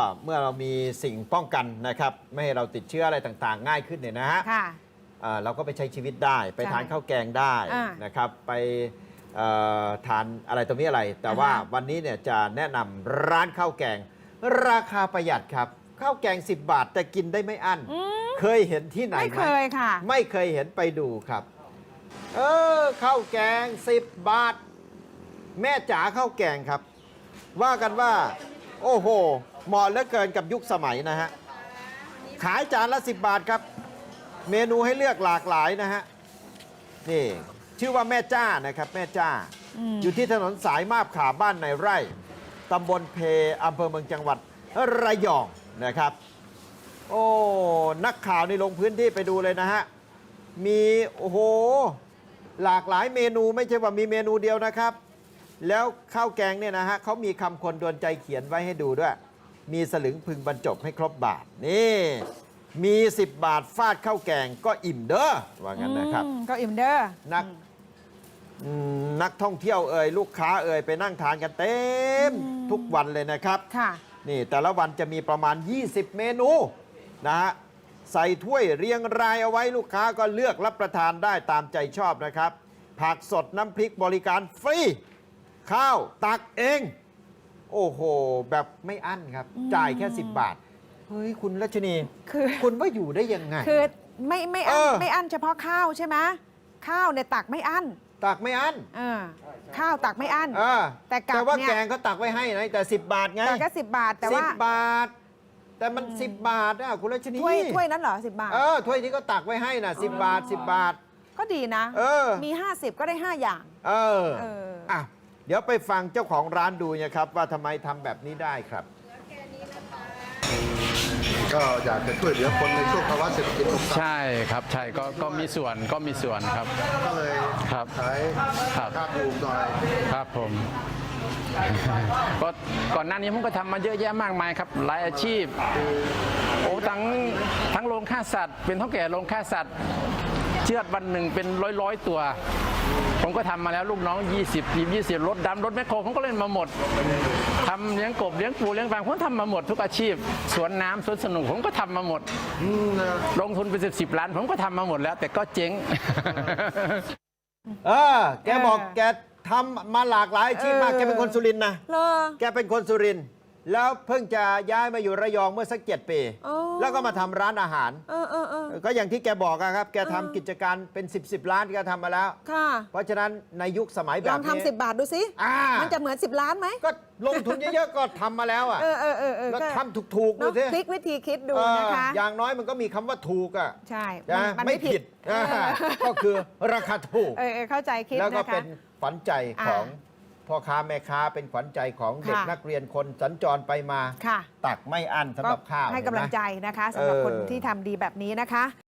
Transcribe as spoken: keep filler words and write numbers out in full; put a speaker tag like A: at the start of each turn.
A: เมื่อเรามีสิ่งป้องกันนะครับไม่ให้เราติดเชื้ออะไรต่างๆ ง่ายขึ้นเนี่ยนะฮะเราก็ไปใช้ชีวิตได้ไปทานข้าวแกงได้นะครับไปทานอะไรตรงนี้อะไรแต่ว่าวันนี้เนี่ยจะแนะนำร้านข้าวแกงราคาประหยัดครับข้าวแกงสิบบาทแต่กินได้ไม่อั้นเคยเห็นที่ไหนไหมไม่เคยค่ะไม่เคยเห็นไปดูครับเออข้าวแกงสิบบาทแม่จ๋าข้าวแกงครับว่ากันว่าโอ้โหเหมาะเหลือเกินกับยุคสมัยนะฮะขายจานละสิบบาทครับเมนูให้เลือกหลากหลายนะฮะนี่ชื่อว่าแม่จ้านะครับแม่จ้าออยู่ที่ถนนสายมาบขาบ้านในไร่ตำบลเพอำเภอเมืองจังหวัดระยองนะครับโอ้นักข่าวนี่ลงพื้นที่ไปดูเลยนะฮะมีโอ้โหหลากหลายเมนูไม่ใช่ว่ามีเมนูเดียวนะครับแล้วข้าวแกงเนี่ยนะฮะเขามีคำคนโดนใจเขียนไว้ให้ดูด้วยมีสลึงพึงบรรจบให้ครบบาทนี่มีสิบบาทฟาดข้าวแกงก็อิ่มเด้อว่างั้นนะครับ
B: ก็อิ่มเด้อ
A: นักนักท่องเที่ยวเอ่ยลูกค้าเอ่ยไปนั่งทานกันเต็มทุกวันเลยนะครับค่ะนี่แต่ละวันจะมีประมาณยี่สิบเมนูนะฮะใส่ถ้วยเรียงรายเอาไว้ลูกค้าก็เลือกรับประทานได้ตามใจชอบนะครับผักสดน้ำพริกบริการฟรีข้าวตักเองโอ้โหแบบไม่อั้นครับจ่ายแค่สิบบาทเฮ้ยคุณรัชนีคือคุณว่าอยู่ได้ยังไง
B: คือไม่ไม่อั้นไม่อั้นเฉพาะข้าวใช่ไหมข้าวเนี่ยตักไม่อั้น
A: ตักไม่อั้น
B: ข้าวตักไม่อั้น
A: แต่แต่ว่าแกงเขาตักไว้ให้นะแต่สิบบาทไง
B: แต่ก็สิบบาทแต่ว่า
A: สิบบาทแต่มันสิบบาทนะคุณรัชนี
B: ถ้วยถ้วยนั้นเหรอสิบบาท
A: เออถ้วยที่เขาตักไว้ให้น่ะสิบบาทสิบบาท
B: ก็ดีนะ
A: เออ
B: มีห้าสิบก็ได้ห้าอย่าง
A: เอออ่ะเดี๋ยวไปฟังเจ้าของร้านดูนะครับว่าทำไมทำแบบนี้ได้ครับ
C: ก็อยากจะช่วยเหลือคนในช่วงภาวะเศรษฐกิจตกต่ำ
D: ใช่ครับใช่ก็ก็มีส่วนก็มีส่วนครับ
C: ก็เลย
D: ครับ
C: ขายค่าถูกหน่อย
D: ครับผมก็ก่อนหน้านี้ผมก็ทำมาเยอะแยะมากมายครับหลายอาชีพโอ้ทั้งทั้งโรงฆ่าสัตว์เป็นเท่าแก่โรงฆ่าสัตว์เชือดวันหนึ่งเป็นร้อยร้อยตัวผมก็ทำมาแล้วลูกน้องยี่สิบทีมยี่สิบรถดำรถแมคโครผมก็เล่นมาหมดทำเลี้ยงกบเลี้ยงปูเลี้ยงฟางผมทำมาหมดทุกอาชีพสวนน้ำสวนสนุกผมก็ทำมาหมดลงทุนเป็นสิบสิบล้านผมก็ทำมาหมดแล้วแต่ก็เจ๊ง
A: เออแกบอกแกทำมาหลากหลายอาชีพมากแกเป็นคนสุรินทร์นะแกเป็นคนสุรินทร์แล้วเพิ่งจะย้ายมาอยู่ระยองเมื่อสักเจ็ดปีแล้วก็มาทำร้านอาหารก็อย่างที่แกบอกครับแกทำกิจการเป็นสิบสิบล้านแกทำมาแล้วเพราะฉะนั้นในยุคสมัยแบบนี้ล
B: องทำสิบบาทดูสิมันจะเหมือนสิบล้านไหม
A: ก็ลงทุนเยอะๆก็ทำมาแล้วอ่ะแล้วทำถูกๆดูสิ
B: พลิกวิธีคิดดูนะคะ
A: อย่างน้อยมันก็มีคำว่าถูกอ่ะ
B: ใช่
A: มันไม่ผิดก็คือราคาถูก
B: เข้าใจคิด
A: แล้วก็เป็นฝันใจของพ่อค้าแม่ค้าเป็นขวัญใจของเด็กนักเรียนคนสัญจรไปมาตักไม่อั้นสำหรับข้าว
B: ให้กำลังใจนะคะสำหรับคนที่ทำดีแบบนี้นะคะ